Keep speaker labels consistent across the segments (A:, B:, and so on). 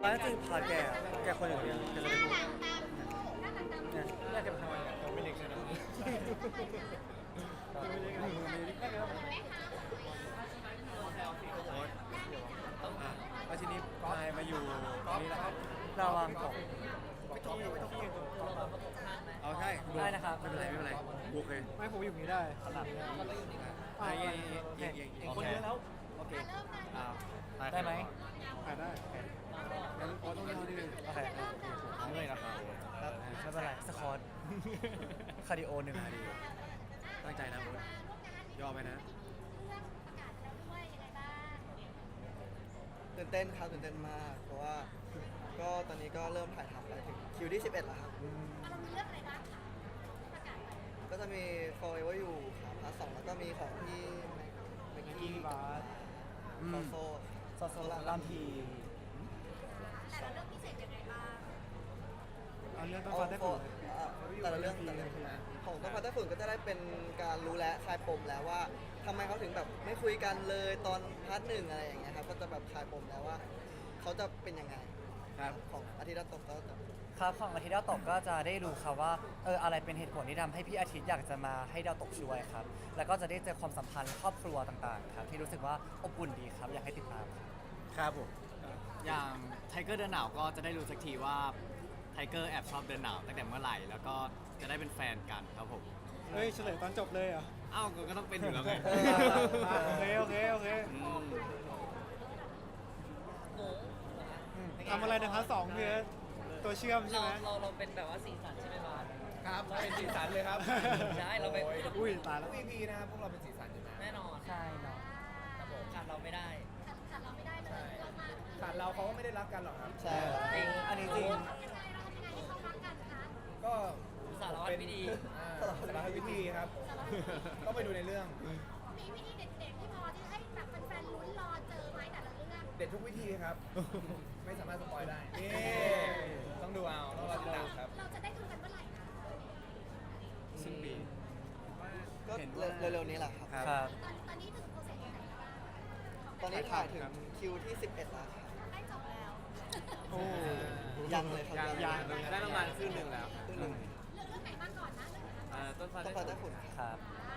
A: ไม่จริงพาแกคนอย่างเดียวแกจะไม่พูดเนี่ยแกเป็นทำไมตัวไม่เล็กใช่ไหมแล้วทีนี้พายมาอยู่นี่แหละครับระวังตกไม่ต้องเอาใช่ได้นะครับไม่เป็นไรโอเคไม่ผมอยู่นี่ได้ขนาดนี้อย่างคนเยอะแล้วโอเคได้ไหมได้งั้นต้องเล่าดิโอเคเมื่อยนะครับไม่เป็นไรสควอตคาร์ดิโอ1 นาทีตั้งใจนะคุณยอมไหมนะ
B: ตื่นเต้นครับตื่นเต้นมากเพราะว่าก็ตอนนี้ก็เริ่มถ่ายทำไปถึงคิวที่11แล้วครับก็จะมี Forever You ครับพาร์ท 2แล้วก็มีของที่แม็กกี้บาร์โซลามที
C: แต่ละเรื่องพิเศษยังไงบ้าง
B: เอาเรื่องต้องฟังได้ฝุ่นแต่ละเรื่องของต้องฟังได้ฝุ่นก็จะได้เป็นการรู้และคลายปมแล้วว่าทำไมเขาถึงแบบไม่คุยกันเลยตอนพาร์ท 1อะไรอย่างเงี้ยครับก็จะแบบคลายปมแล้วว่าเขาจะเป็นยังไง
A: ครับ
B: ของอาทิตย์ละตกก็จะ
D: ครับของอาทิตย์ดาวตกก็จะได้รู้ครับว่าอะไรเป็นเหตุผลที่ทำให้พี่อาทิตย์อยากจะมาให้ดาวตกช่วยครับแล้วก็จะได้เจอความสัมพันธ์ครอบครัวต่างๆครับที่รู้สึกว่าอบอุ่นดีครับอยากให้ติดตาม
A: ครับผม
E: อย่างไทเกอร์เดินหนาวก็จะได้รู้สักทีว่าไทเกอร์แอบชอบเดินหนาวตั้งแต่เมื่อไหร่แล้วก็จะได้เป็นแฟนกันครับผม
A: เฮ้ยเฉลยตอนจบเลยเหรอ
E: อ้าวก็ต้องเป็นอยู่แล้วไง
A: โอเคทำอะไรในพาร์ท 2พี่ตัวเชื่อมใช่ไหม
F: เราเป็นแบบว่าสีสันใช่ไหมบาส
E: ครับเราเป็นสีสันเลยครับ
F: ใช่เราเป็น
A: อุ้ยตายแล้ว
E: พีนะครับพวกเราเป็นสีสันอยู่นะ
F: แน่นอน
D: ใช่เนาะ
F: ครับผมขาดเราไม่ได้
C: เลยเรามา
E: ขาดเราเขาก็ไม่ได้รักกันหรอกครับ
B: ใช่
D: จริงอันนี้จริง
E: ก็
F: สารวัตรวิธี
E: สารพัดวิธีครับต้องไปดูในเรื่อง
C: มีวิธีเด็ดๆที่พอที่ให้แบบแฟนๆลุ้นรอเจอไหมแต่ละเรื่อง
E: เด็ดทุกวิธีครับไม่สามารถสปอยได้ต้องดูเอาต้องรอติดตามครับ
C: เราจะได้ดูกันเมื่อไหร่นะ
A: สิ้นปี
B: ก็เร็วๆนี้แหละครับ
C: ตอนนี้ถึงโปรเซสไหนแล้วบ้าง
B: ตอนนี้ถ่ายถึงคิวที่11แล้วครับ
C: ได้จบแล้ว
A: โอ้
B: ยังเลยครับ
A: ยังได้ประมาณครึ่งหนึ่งแล้ว
C: เรื่องไหนมาก่อนนะ
A: ต้นฟ้า
B: ได้ฝุ่น
D: ครับ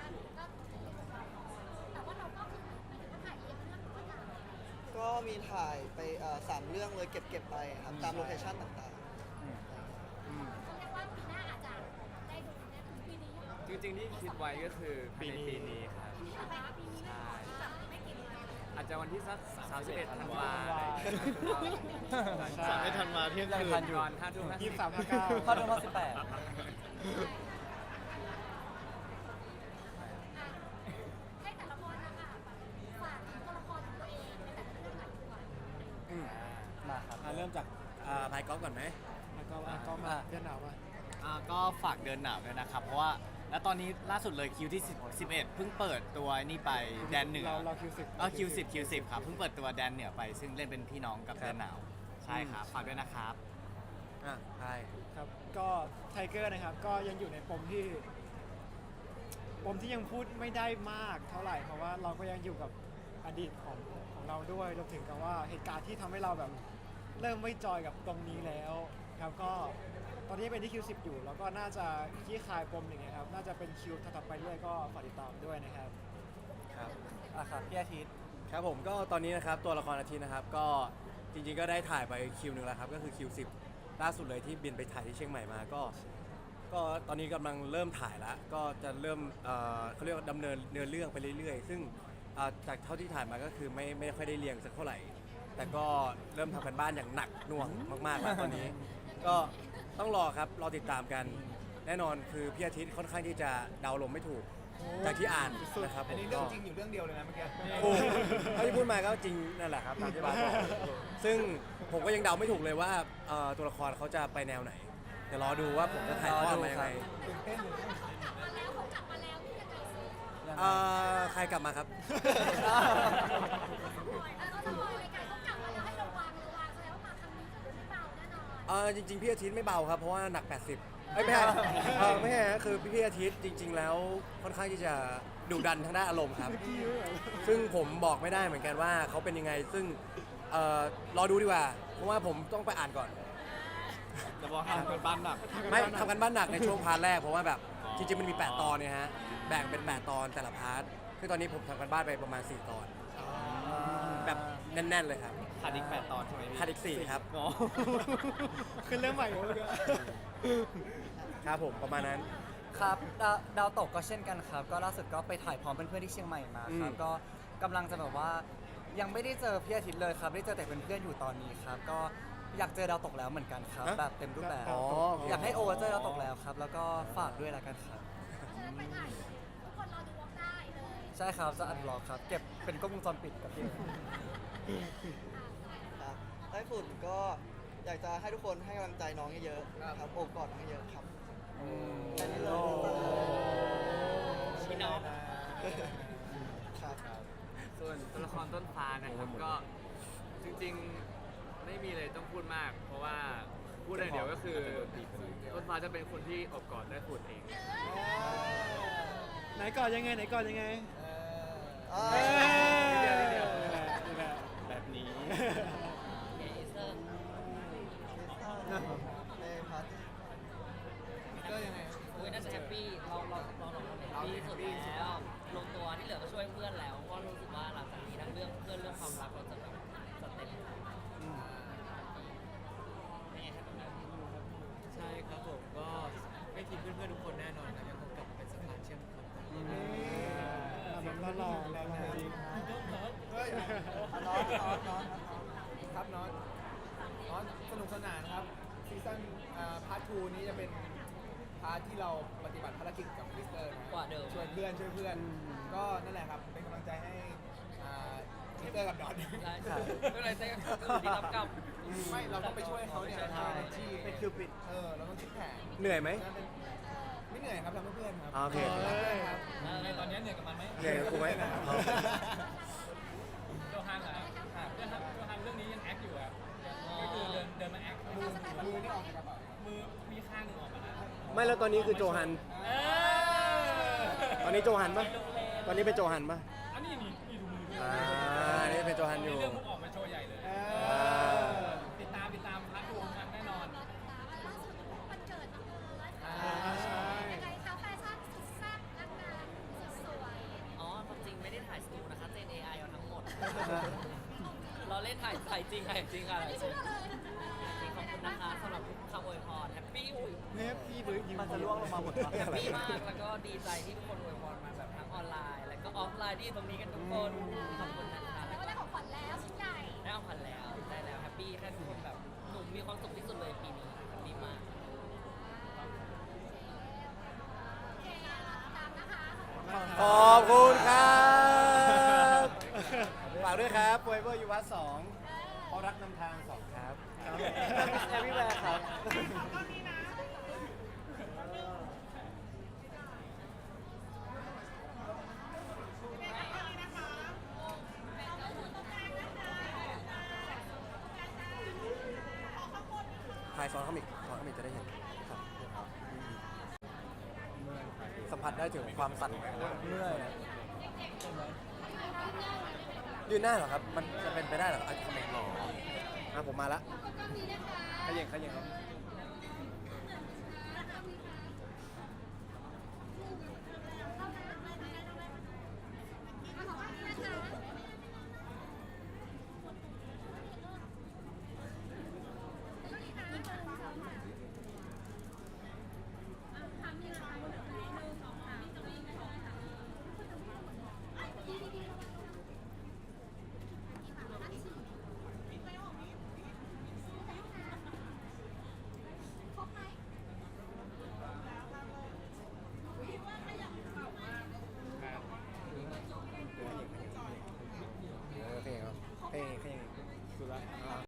C: แต่ว่าเราก็คือถ่ายเองเรื่องก็ถ่าย
B: ก็มีถ่ายไป3 เรื่องเลยเก็บไปครับตามโลเคชั่นต่าง
C: เขาเรียกว่าปีหน้าอาจจะได้ดูเนี่ยถึงปีนี้
A: จริงๆที่คิดไว้ก็คือปีนี้ครับใช่อาจจะวันที่สัก31 ธันวา31 ธันวาเที่ยงคืนก่อน5 ทุ่ม23
D: เข้าเดือนที่18
C: ให้แต่ละคนนะคะฝากตัวละครของตัวเองในแต่ละเรื่องหน่อยดีกว่า
D: มาครับ
A: เริ่มจากพายก๊อฟก่อนไหมพายก๊อฟมาเดินหนาวมา
E: ก็ฝากเดินหนาวด้วยนะครับเพราะว่าแล้วตอนนี้ล่าสุดเลยคิวที่11เพิ่งเปิดตัวนี่ไปแดนเหนือ
A: เราคิว10
E: คิว10ครับเพิ่งเปิดตัวแดนเหนือไปซึ่งเล่นเป็นพี่น้องกับเดินหนาวใช่ครับฝากด้วยนะครับ
A: ใช่
G: ครับก็ไทเกอร์นะครับก็ยังอยู่ในปมที่ยังพูดไม่ได้มากเท่าไหร่เพราะว่าเราก็ยังอยู่กับอดีตของเราด้วยรวมถึงกับว่าเหตุการณ์ที่ทำให้เราแบบเริ่มไม่จอยกับตรงนี้แล้วครับก็ตอนนี้เป็นที่คิว10อยู่แล้วก็น่าจะขี้คายปมอย่างเงี้ยครับน่าจะเป็นคิวถัดไปเรื่อยก็ฝากติดตามด้วยนะครับ
D: ครับพี่อาทิตย์
A: ครับผมก็ตอนนี้นะครับตัวละครอาทิตย์นะครับก็จริงๆก็ได้ถ่ายไปคิวนึงแล้วครับก็คือคิว10ล่าสุดเลยที่บินไปถ่ายที่เชียงใหม่มาก็ตอนนี้กำลังเริ่มถ่ายแล้วก็จะเริ่มเขาเรียกว่าดำเนินเนื้อเรื่องไปเรื่อยๆซึ่งจากเท่าที่ถ่ายมาก็คือไม่ค่อยได้เรียงสักเท่าไหร่แต่ก็เริ่มทำกันบ้านอย่างหนักหน่วงมากๆแล้วตอนนี้ก็ต้องรอครับรอติดตามกันแน่นอนคือพี่อาทิตย์ค่อนข้างที่จะเดาลมไม่ถูกจากที่อ่านนะครับ
E: อันนี้เรื่องจริงอยู่เรื่องเดียวเลยนะเมื่อกี้
A: เท่าที่พูดมาก็จริงนั่นแหละครับตามที่บาสบอกซึ่งผมก็ยังเดาไม่ถูกเลยว่าตัวละครเขาจะไปแนวไหนเดี๋ยวรอดูว่าผมจะถ่ายทอดมายังไง
C: เขากลับมาแล้วที่จะไกลซื้
A: อใครกลับมาครับจริงๆพี่อาทิตย์ไม่เบาครับเพราะว่าหนัก80ไม่ใช่ไม่ใช่คือพี่อาทิตย์จริงๆแล้วค่อนข้างที่จะดุดันทางด้านอารมณ์ครับซึ่งผมบอกไม่ได้เหมือนกันว่าเขาเป็นยังไงซึ่งรอดูดีกว่า เพราะว่าผมต้องไปอ่านก่อน
E: จะบอกทำเป็นบ้านหนัก
A: ไม่ทำกันบ้านหนักในช่วงพาร์ทแรกเพราะว่าแบบ
E: อ๋อ
A: จริงๆมันมี 8 ตอนเนี่ยฮะแบ่งเป็น 8 ตอนแต่ละพาร์ทคือตอนนี้ผมทำกันบ้านไปประมาณ 4 ตอน แบบแน่นๆเลยครับ
E: ขาดอีก8 ตอนใช่ไหมพี่
A: ขาดอีก 4 ครับ
E: อ๋อ
G: ขึ้นเรื่องใหม่เลย
A: ครับผมประมาณนั้น
D: ครับดาวตกก็เช่นกันครับ ก็ล่าสุดก็ไปถ่ายพร้อมเพื่อนๆที่เชียงใหม่มาครับ
A: อืม
D: ก็กำลังจะแบบว่ายังไม่ได้เจอพี่อาทิตย์เลยครับ ได้เจอแต่เพื่อนๆอยู่ตอนนี้ครับ ก็อยากเจอดาวตกแล้วเหมือนกันครับ แบบเต็มรูปแบบ
A: อ๋อ
D: อยากให้โอเจอดาวตกแล้วครับ แล้วก็ฝากด้วยละกันครับ
C: ฉะนั้นไปถ่ายทุกคนรอดูวอล์กได้เลย
D: ใช่ครับจะอัดบล็อกครับ เก็บเป็นกล้องวงจรปิดกับพี่
B: ครับไต้ฝุ่นก็อยากจะให้ทุกคนให้กำลังใจน้องเยอะๆครับโอบกอดน้องเยอะๆครับแค่นี้เลย
F: พี่น้อง
B: ครับ
H: ส่วนตัวละครต้นฟ้านะครับก็จริงๆไม่มีเลยต้องพูดมาก เพราะว่าพูดอย่างเดียวก็คือต้นฟ้าจะเป็นคนที่อบกอดได้ฝุ่นเอง
G: ไหนก่อนยังไงไหนก่อนยังไง
B: เอ้ย
H: เดี๋ยว
E: แบบนี้
F: เอเซอร์
B: ในพาร์ท
F: ก็ยังไงอุ้ยน่าจะแฮปปี้เราแฮปปี้สุดแล้วลงตัวที่เหลือก็ช่วยเพื่อนแล้วเพราะรู้สึกว่าหลังจากนี้ทั้งเรื่องเพื่อนเรื่องความรักเราจะแบบสเต็ปเป็นไงครับตรงนั้น
H: ใช่ครับผมก็ไม่ทิ้งเพื่อนๆทุกคนแน่นอนครับยังคงกลับมาเป็นสะพานเชื่อมคน
G: แบบหล่อๆแล้วนะ
B: น้องน้อง
I: ครับน้องสนุกสนานครับซีซั่นพาร์ท 2 นี้จะเป็นพาร์ทที่เราปฏิบัติภารกิจกับคริสเตอร์นะ
F: กว่าเดิม
I: ช่วยเพื่อนก็นั่นแหละครับเป็นกำลังใจให้คริสเตอร์กับดอน
F: ใช่ไม่เป็นไรเต้ก็อยู่ที่รับกรรม
I: ไม่เราต้องไปช่วยเขาเนี่ย
F: ใช่
I: ที่
G: เป็นคิวปิด
I: เราต้องคิดแผน
A: เหนื่อยไหม
I: ไม่เหนื่อยครับทำเพื่อเพื่อนครับ
A: โอเค
I: รักเพื่อนครับ
F: ในตอนนี้เหนื่อยกับมันไหม
A: เหนื่อยกับกูไหมเอา
F: โจฮันเหรอโจฮันเรื่องนี้ยังแอคอยู่อ่ะก็คือเดินมาแอค
I: มือนี่ออกจากกระเป๋า
F: มือมีข้างหนึ่งออกมาแล้ว
A: ไม่แล้วตอนนี้คือโจฮัน ตอนนี้โจฮันปะตอนนี้เป็นโจฮันปะ
F: อันนี้นี่ดูมือ
A: อันนี้เป็นโจฮันอยู่
F: เรื่องมุกออกมาโชว์ใหญ่เลย
A: อ่า
F: ติดตามพาร์ท 2กันแน่นอน
C: ล่าสุดวันเกิดน้องเอิร์ธ
G: ใช่
C: ยังไงคะแฟชั่นสุดแซ่บนักงานสุดสวย
F: อ๋อความจริงไม่ได้ถ่ายสตูนะคะเจน AI เอาทั้งหมด เราเล่นถ่ายจริงจริงค่ะ
C: ไม่เชื่อเลย
F: ขอบคุณนะคะสำหรับคำอวยพรแฮปปี้
G: เนฟพี่เบิร์ดยิง
D: มันจะล่วงลงมาหมดปะ
F: แฮปปี้มากแล้วก็ดีใจที่ทุกคนอวยพรมาแบบทั้งออนไลน์ แล้วก็ออฟไลน์ที่อยู่ตรงนี้กันทุกคนขอบคุณนะคะ
C: แล้วก็ได้ของขวัญแล้วชิ้นใหญ่
F: ได้เอาพันแล้วได้แล้วแฮปปี้แค่ทุกคนแบบหนุ่มมีความสุขที่สุดเลยปีนี้แฮปปี้มาก
C: โอเคตามนะคะ
A: ขอบคุณครับฝากด้วยครับ Forever You Was 2เพราะรักนำทาง 2 ครับ
D: แอร์วิแวร์ครับ
A: ถ่ายซ้อนเข้ามิกจะได้เห็นครับสัมผัสได้ถึงความสั่นของหน้า
D: เมื่อยอะ
A: ยืนหน้าเหรอครับ มันจะเป็นไปได้เหรอไอ้คอมเมนต์หรอผมมาละขยันครับ